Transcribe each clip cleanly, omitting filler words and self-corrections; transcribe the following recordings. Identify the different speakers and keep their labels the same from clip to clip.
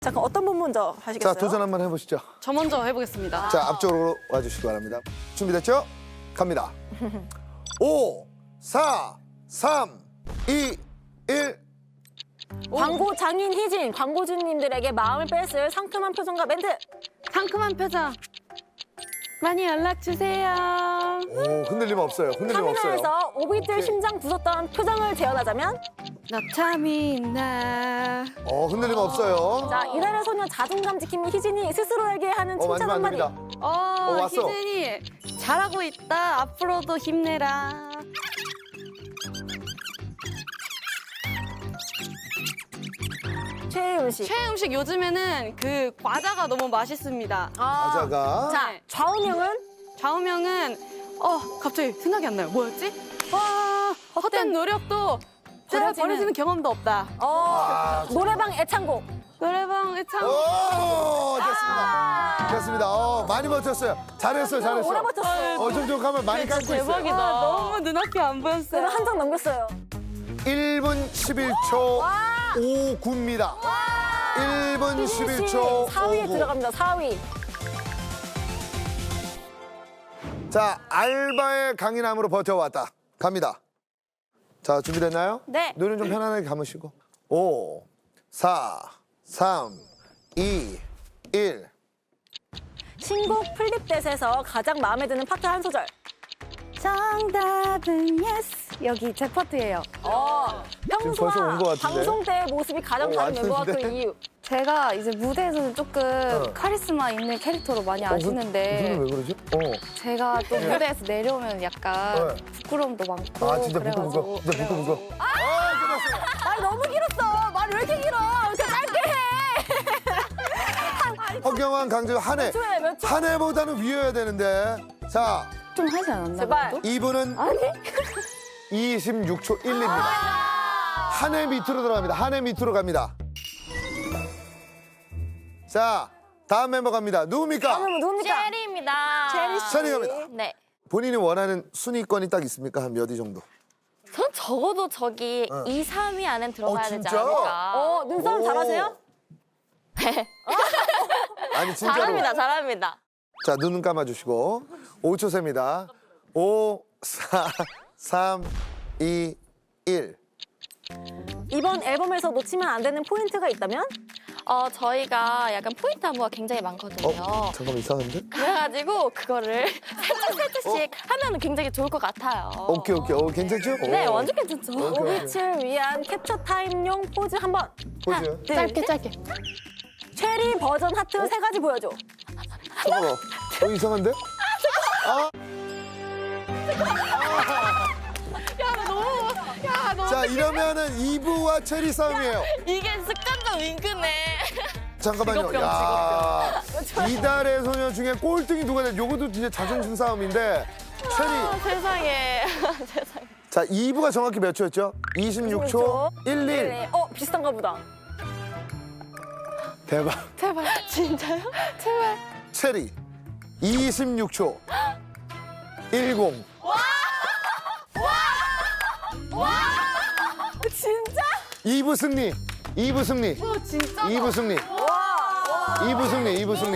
Speaker 1: 자, 그럼 어떤 분 먼저 하시겠어요?
Speaker 2: 자, 도전 한번 해보시죠.
Speaker 3: 저 먼저 해보겠습니다.
Speaker 2: 자, 앞쪽으로 와주시기 바랍니다. 준비됐죠? 갑니다. 5, 4, 3, 2, 1.
Speaker 1: 광고 장인 희진, 광고주님들에게 마음을 뺐을 상큼한 표정과 멘트.
Speaker 3: 상큼한 표정. 많이 연락 주세요.
Speaker 2: 오, 흔들림 없어요. 흔들림 없어요.
Speaker 1: 카메라에서 오비들
Speaker 2: 오케이.
Speaker 1: 심장 부쉈던 표정을 재현하자면
Speaker 3: 나 참이 있나.
Speaker 2: 흔들림 없어요.
Speaker 1: 자, 이달의 소녀 자존감 지킴이 희진이 스스로에게 하는 칭찬
Speaker 2: 만지면 안
Speaker 1: 한마디.
Speaker 2: 됩니다. 왔어.
Speaker 3: 희진이 잘하고 있다. 앞으로도 힘내라.
Speaker 1: 최애 음식.
Speaker 3: 최애 음식 요즘에는 그 과자가 너무 맛있습니다.
Speaker 2: 과자가.
Speaker 1: 자,
Speaker 3: 네.
Speaker 1: 좌우명은
Speaker 3: 좌우명은 갑자기 생각이 안 나요. 뭐였지? 와, 헛된 노력도 버려지는 경험도 없다.
Speaker 1: 노래방 애창곡.
Speaker 3: 노래방 애창.
Speaker 2: 오, 됐습니다. 됐습니다. 많이 버텼어요. 잘했어요, 잘했어요.
Speaker 1: 오래 버텼어요.
Speaker 2: 좀 가면 많이 감고 있어요.
Speaker 3: 대박이다. 너무 눈앞이 안 보였어요.
Speaker 1: 그래도 한 장 넘겼어요.
Speaker 2: 1분 11초 59입니다. 1분 11초
Speaker 1: 4위에
Speaker 2: 59.
Speaker 1: 들어갑니다. 4위.
Speaker 2: 자, 알바의 강인함으로 버텨왔다. 갑니다. 자, 준비됐나요?
Speaker 1: 네.
Speaker 2: 눈은 좀 편안하게 감으시고. 5, 4, 3, 2, 1.
Speaker 1: 신곡 플립댓에서 가장 마음에 드는 파트 한 소절.
Speaker 3: 정답은 yes. 여기 제 파트예요.
Speaker 2: 벌써
Speaker 1: 평소와
Speaker 2: 온것 같은데?
Speaker 1: 방송 때의 모습이 가장 다른 멤버와 그
Speaker 2: 왔는데?
Speaker 1: 이유.
Speaker 4: 제가 이제 무대에서는 조금 카리스마 있는 캐릭터로 많이
Speaker 2: 무슨
Speaker 4: 아시는데
Speaker 2: 왜 그러지?
Speaker 4: 제가 또 무대에서 내려오면 약간
Speaker 2: 네.
Speaker 4: 부끄러움도 많고
Speaker 2: 아, 진짜
Speaker 4: 그래가지고
Speaker 2: 진짜 부끄러워. 끝났어요.
Speaker 1: 말이 너무 길었어. 말이 왜 이렇게 길어? 이렇게 짧게 해.
Speaker 2: 허경환, 강재호 한 해.
Speaker 1: 몇 초?
Speaker 2: 한 해보다는 위여야 되는데. 자,
Speaker 4: 좀 하지 않았나
Speaker 1: 제발.
Speaker 4: 그래도?
Speaker 2: 이분은
Speaker 4: 아니
Speaker 2: 26초 1입니다. 한 해 밑으로 들어갑니다. 한 해 밑으로 갑니다. 자, 다음 멤버 갑니다. 누굽니까?
Speaker 1: 누굽니까?
Speaker 4: 체리입니다.
Speaker 2: 체리 갑니다.
Speaker 4: 네.
Speaker 2: 본인이 원하는 순위권이 딱 있습니까? 한 몇 위 정도?
Speaker 4: 전 적어도 저기 2, 3위 안엔 들어가야 되지
Speaker 2: 진짜?
Speaker 4: 않을까.
Speaker 1: 눈싸움
Speaker 2: 오.
Speaker 1: 잘하세요?
Speaker 2: 아니, 진짜로.
Speaker 4: 잘합니다.
Speaker 2: 자, 눈 감아주시고 5초 셉니다. 5, 4, 3, 2, 1.
Speaker 1: 이번 앨범에서 놓치면 안 되는 포인트가 있다면?
Speaker 4: 저희가 약간 포인트 안무가 굉장히 많거든요.
Speaker 2: 잠깐만, 이상한데?
Speaker 4: 그래가지고 그거를 살짝씩 하면 굉장히 좋을 것 같아요.
Speaker 2: 오케이. 괜찮죠?
Speaker 4: 네,
Speaker 2: 오.
Speaker 4: 완전 괜찮죠.
Speaker 2: 오케이.
Speaker 1: 오빛을 위한 캡처 타임용 포즈 한 번.
Speaker 2: 포즈.
Speaker 4: 짧게.
Speaker 1: 체리 버전 하트 3가지 보여줘.
Speaker 2: 잠깐만. 이상한데? 자, 이러면은 이브와 체리 싸움이에요.
Speaker 4: 이게 습관적 윙크네.
Speaker 2: 잠깐만요.
Speaker 4: 직업병,
Speaker 2: 야, 이달의 소녀 중에 꼴등이 누가 돼? 요것도 진짜 자존심 싸움인데. 체리.
Speaker 4: 세상에. 세상에.
Speaker 2: 자, 이브가 정확히 몇 초였죠? 26초 11.
Speaker 1: 비슷한가 보다.
Speaker 2: 대박.
Speaker 4: 제발. 진짜요? 제발.
Speaker 2: 체리. 26초 10.
Speaker 1: 진짜?
Speaker 2: 이브 승리. 이브 승리.
Speaker 3: 진짜?
Speaker 2: 이브 승리. 이브 승리. 이브 승리.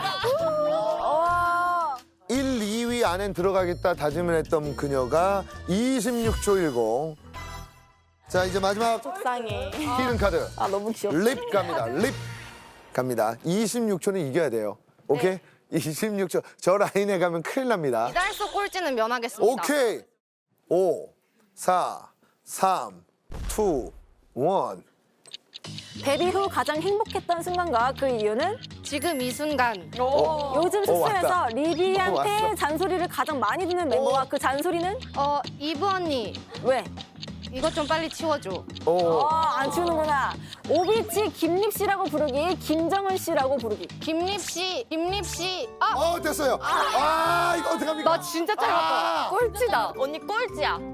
Speaker 2: 1, 2위 안엔 들어가겠다 다짐을 했던 그녀가 26초 10. 자, 이제 마지막
Speaker 4: 속상해.
Speaker 2: 히든 카드.
Speaker 1: 너무 귀엽다.
Speaker 2: 립 갑니다. 립 갑니다. 26초는 이겨야 돼요. 오케이? 26초. 저 라인에 가면 큰일 납니다.
Speaker 4: 이달소 꼴찌는 면하겠습니다.
Speaker 2: 오케이. 5, 4, 3, 2, 1.
Speaker 1: 데뷔 후 가장 행복했던 순간과 그 이유는?
Speaker 4: 지금 이 순간.
Speaker 1: 요즘 숙소에서
Speaker 2: 왔다.
Speaker 1: 리비한테
Speaker 2: 왔어.
Speaker 1: 잔소리를 가장 많이 듣는 멤버와 그 잔소리는?
Speaker 4: 이브 언니,
Speaker 1: 왜?
Speaker 4: 이것 좀 빨리 치워줘.
Speaker 1: 안 치우는구나. 오비치 김립 씨라고 부르기, 김정은 씨라고 부르기.
Speaker 4: 김립 씨.
Speaker 2: 됐어요. 이거 어떡합니까?
Speaker 4: 나 진짜 짧았다. 꼴찌다. 언니 꼴찌야.